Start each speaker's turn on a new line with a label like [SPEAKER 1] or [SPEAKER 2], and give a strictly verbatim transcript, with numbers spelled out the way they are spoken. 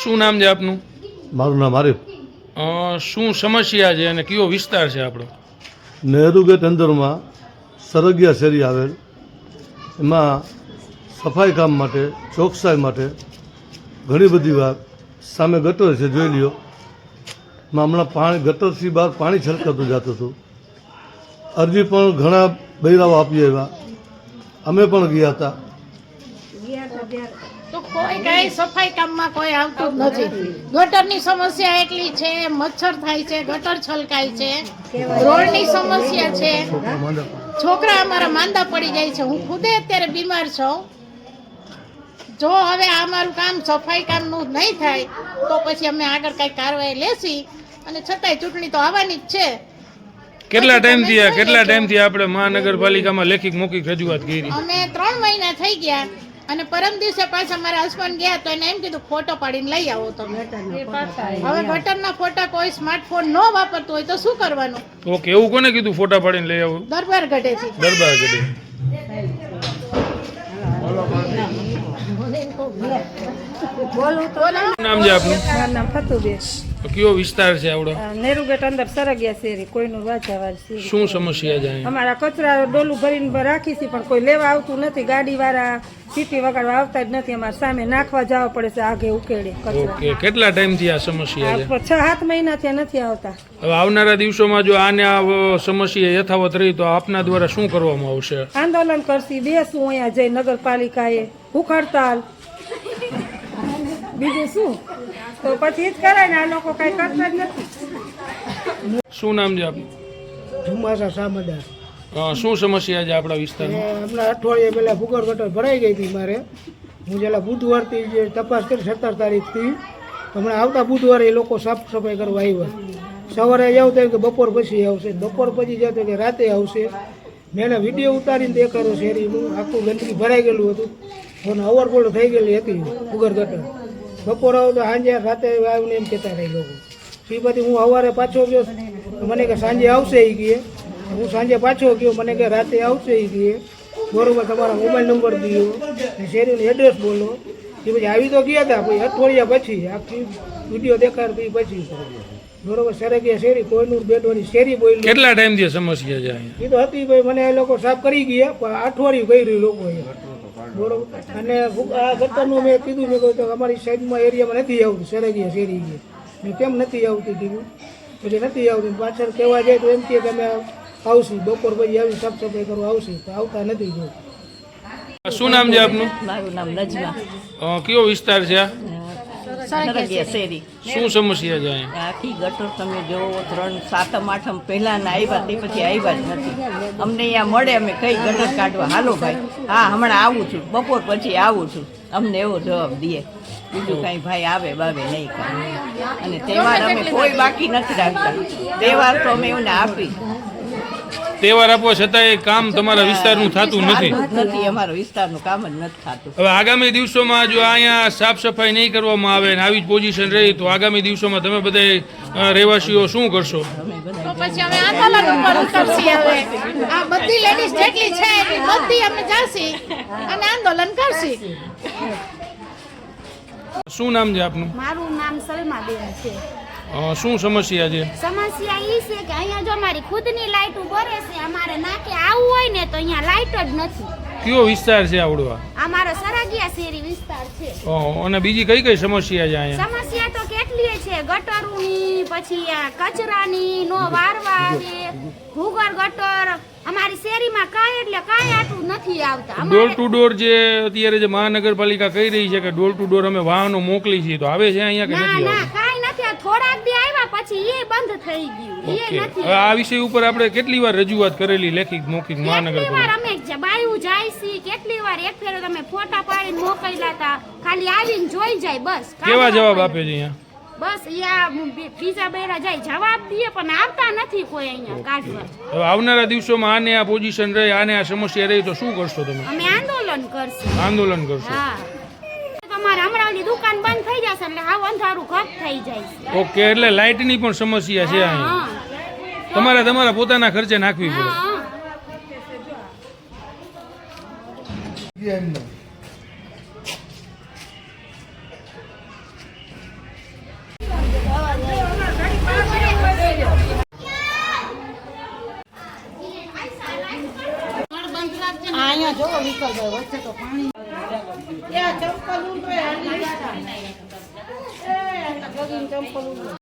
[SPEAKER 1] શું નામ છે આપનું?
[SPEAKER 2] મારું નામ આરિફ.
[SPEAKER 1] શું સમસ્યા છે અને કયો વિસ્તાર છે આપણો?
[SPEAKER 2] નહેરુ ગેટ અંદરમાં સરગિયા શેરી આવેલ, એમાં સફાઈ કામ માટે, ચોકસાઈ માટે ઘણી બધી વાર સામે ગટર છે, જોઈ લ્યો. એમાં હમણાં પાણી ગટરથી બહાર પાણી છલકાતું જતું હતું. અરજી પણ ઘણા બૈરાઓ આપી આવ્યા, અમે પણ ગયા હતા.
[SPEAKER 3] તો કોઈ કઈ સફાઈ કામમાં કોઈ આવતું જ નથી. ગટરની સમસ્યા એટલી છે, મચ્છર થાય છે, ગટર છલકાય છે, રોડની સમસ્યા છે, છોકરા અમારા માંદા પડી જાય છે. હું ખુદે અત્યારે બીમાર છું. જો હવે આ મારું કામ સફાઈ કામનું નહીં થાય તો પછી અમે આગળ કઈ કાર્યવાહી લેશી, અને છતાંય ચૂંટણી તો આવવાની જ છે.
[SPEAKER 1] કેટલા ટાઈમથી આ કેટલા ટાઈમથી આપણે મહાનગરપાલિકામાં લેખિત મૌખિક રજૂઆત કરી?
[SPEAKER 3] અમે ત્રણ મહિના થઈ ગયા, અને પરમ દિવસે પાછા મારા હસબન્ડ ગયા તો એને એમ કીધું ફોટો પાડીને લઈ આવો તમે. હવે ગટરના ફોટા કોઈ સ્માર્ટફોન ન વાપરતું હોય તો શું કરવાનું?
[SPEAKER 1] ઓકે, એવું કોને કીધું ફોટા પાડીને લઈ આવું?
[SPEAKER 3] દરબાર ગઢેથી.
[SPEAKER 1] દરબાર ગઢે. નામ છે આપનું?
[SPEAKER 4] મારું નામ ફતુબેન.
[SPEAKER 1] કયો વિસ્તાર છે આવડો?
[SPEAKER 4] નેરુ ગેટ અંદર સરગિયા શેરી, કોઈનું વાજાવાર છે.
[SPEAKER 1] શું સમસ્યા છે અહીંયા?
[SPEAKER 4] અમારા કચરા ડોલું ભરીને રાખી છે, પણ કોઈ લેવા આવતું નથી. ગાડી વાળા સીટી વગાડવા આવતા જ નથી. અમારે સામે નાખવા જવા પડે છે, આગે ઉકેડે કચરા.
[SPEAKER 1] ઓકે, કેટલા ટાઈમથી આ સમસ્યા છે?
[SPEAKER 4] છ સાત મહિના ત્યાં નથી આવતા.
[SPEAKER 1] હવે આવનારા દિવસોમાં જો આને આ સમસ્યા યથાવત રહી તો આપના દ્વારા શું કરવામાં આવશે?
[SPEAKER 4] આંદોલન કરશી, બેસું અહીંયા જઈ નગરપાલિકાએ, ભૂખ હડતાલ, બીજું શું? તો પછી જ કરાય ને. આ લોકો કઈ કરતા જ નથી.
[SPEAKER 1] શું નામ છે આપનું?
[SPEAKER 5] ધુમાસા સામદાર.
[SPEAKER 1] શું સમસ્યા છે આપણા વિસ્તારમાં?
[SPEAKER 5] હમણાં અઠવાડિયે પહેલાં ભૂગર્ભ ગટર ભરાઈ ગઈ હતી મારે. હું જેલા બુધવારથી જે તપાસ કરી સત્તર તારીખથી, હમણાં આવતા બુધવારે એ લોકો સાફ સફાઈ કરવા આવ્યા. સવારે જાવ તો કે બપોર પછી આવશે, બપોર પછી જાવ તો કે રાતે આવશે. મેં એને વિડીયો ઉતારીને દેખાડ્યો શેરીનું, આખું ગંદકી ભરાઈ ગયેલું હતું અને ઓવરફ્લો થઈ ગયેલી હતી ભૂગર્ભ ગટર. બપોર આવો તો સાંજે રાતે આવીને એમ કહેતા રહી લોકો. એ પછી હું સવારે પાછો ગયો, મને કે સાંજે આવશે એ કહે. હું સાંજે પાછો ગયો, મને કે રાતે આવશે એ કહે. બરોબર, તમારા મોબાઈલ નંબર દો, શેરીનું એડ્રેસ બોલો. એ પછી આવી તો ગયા હતા, પછી અઠવાડિયા પછી આખી વિડીયો દેખાડતી પછી બરોબર સરગિયા શેરી, કોઈનું બેડવાની શેરી બોલી.
[SPEAKER 1] કેટલા ટાઈમથી સમસ્યા છે અહીંયા?
[SPEAKER 5] એ તો હતી ભાઈ, મને એ લોકો સાફ કરી ગયા, પણ અઠવાડિયું કર્યું લોકો અહીંયા. બરોબર, અને આ ગટરનું મેં કીધું, મેં કહ્યું અમારી સાઈડમાં એરિયામાં નથી આવતું સરગિયા શેરી. મેં કેમ નથી આવતી કીધું, પછી નથી આવતી. પાછળ કહેવા જાય તો એમ કહે કે અમે આવશું બપોર પછી આવી સાફ સફાઈ કરવા આવશું, તો આવતા નથી. જો
[SPEAKER 1] શું નામ છે આપનું?
[SPEAKER 6] મારું નામ નજમા.
[SPEAKER 1] કયો વિસ્તાર છે આ?
[SPEAKER 6] સરગિયા શેરી.
[SPEAKER 1] શું સમસ્યા છે અહીંયા?
[SPEAKER 6] આખી ગટર તમે જોવો, ત્રણ સાતમ આઠમ પહેલાના આવ્યા તે પછી આવ્યા જ નથી. અમને અહીંયા મળે, અમે કઈ ગટર કાઢવા હાલો ભાઈ, હા હમણાં આવું છું, બપોર પછી આવું છું, અમને એવો જવાબ દે. બીજું કાંઈ ભાઈ આવે બાવે નહીં કાંઈ. અને તહેવાર અમે કોઈ બાકી નથી રાખતા. તહેવાર તો અમે એમને આપી.
[SPEAKER 1] તહેવાર આપવા છતાંય કામ તમારા વિસ્તારનું થતું નથી.
[SPEAKER 6] નથી, અમારા વિસ્તારનું કામ જ નથી થતું.
[SPEAKER 1] હવે આગામી દિવસોમાં જો અહીંયા સાફ સફાઈ નહીં કરવામાં આવે ને આવી જ પોઝિશન રહી તો આગામી દિવસોમાં તમે બધા રહેવાસીઓ શું કરશો?
[SPEAKER 3] તો પછી અમે આંદોલન ઉપર ઉતરશી. હવે આ બધી લેડીઝ જેટલી છે એટલી બધી અમે જાશી અને આંદોલન કરશી.
[SPEAKER 1] શું નામ છે આપનું?
[SPEAKER 7] મારું નામ સલમાબેન છે.
[SPEAKER 1] શું સમસ્યા છે?
[SPEAKER 7] સમસ્યા એ છે કે અહીંયા જો અમારી ખુદની લાઈટ બરે છે, અમારે નાકે આવવું હોય ને તો અહીંયા લાઈટ જ નથી.
[SPEAKER 1] કયો વિસ્તાર છે આવડો?
[SPEAKER 7] અમારો સરગિયા શેરી વિસ્તાર છે.
[SPEAKER 1] અને બીજી કઈ કઈ સમસ્યા છે અહીંયા?
[SPEAKER 7] સમસ્યા તો કેટલી છે, ગટરોની, પછી આ કચરાની નો વારવા આવે, ભૂગર્ભ ગટર. અમારી શેરીમાં કાંઈ એટલે કાંઈ આટલું નથી આવતા.
[SPEAKER 1] ડોર ટુ ડોર જે અત્યારે જે મહાનગરપાલિકા કહી રહી છે કે ડોર ટુ ડોર અમે વાહનો મોકલી છીએ, તો આવે છે અહીંયા કે
[SPEAKER 7] ના
[SPEAKER 1] નથી
[SPEAKER 7] ના
[SPEAKER 1] આવતું?
[SPEAKER 7] કાંઈ નથી. થોડાક દી આવ્યા પછી એ બંધ થઈ ગયું. એ
[SPEAKER 1] ઓકે,
[SPEAKER 7] નથી.
[SPEAKER 1] હવે આ વિષય ઉપર આપણે કેટલી વાર રજૂઆત કરેલી લેખિત મૌખિક
[SPEAKER 7] કેટલી વાર
[SPEAKER 1] મહાનગરપાલિકા?
[SPEAKER 7] અમે બાયું જાય છે, કેટલી વાર એક ફેરો તમે ફોટા પાડીને મોકલ્યા હતા, ખાલી આવીને જોઈ જાય બસ.
[SPEAKER 1] કેવા જવાબ આપે છે અહીંયા?
[SPEAKER 7] બસ યા બીજા બેરા જાય જવાબ દે, પણ આવતા નથી કોઈ અહીંયા કાઢવા.
[SPEAKER 1] હવે આવનારા દિવસોમાં આને આ પોઝિશન રહે, આને આ સમસ્યા રહી તો શું કરશો તમે?
[SPEAKER 7] અમે આંદોલન કરશું.
[SPEAKER 1] આંદોલન કરશો?
[SPEAKER 7] હા, તમારે હમણાં ઓલી દુકાન બંધ થઈ જશે એટલે હાવ અંધારું ઘપ થઈ જાય છે.
[SPEAKER 1] ઓકે, એટલે લાઇટની પણ સમસ્યા છે અહીંયા.
[SPEAKER 7] હા,
[SPEAKER 1] તમારે તમારા પોતાના ખર્ચે નાખવી પડે.
[SPEAKER 7] હા.
[SPEAKER 3] અહીંયા જોવો વિકલભાઈ વચ્ચે તો પાણી ત્યાં ચંપલ ઉડે એ આ જોગીને ચંપલ ઉડે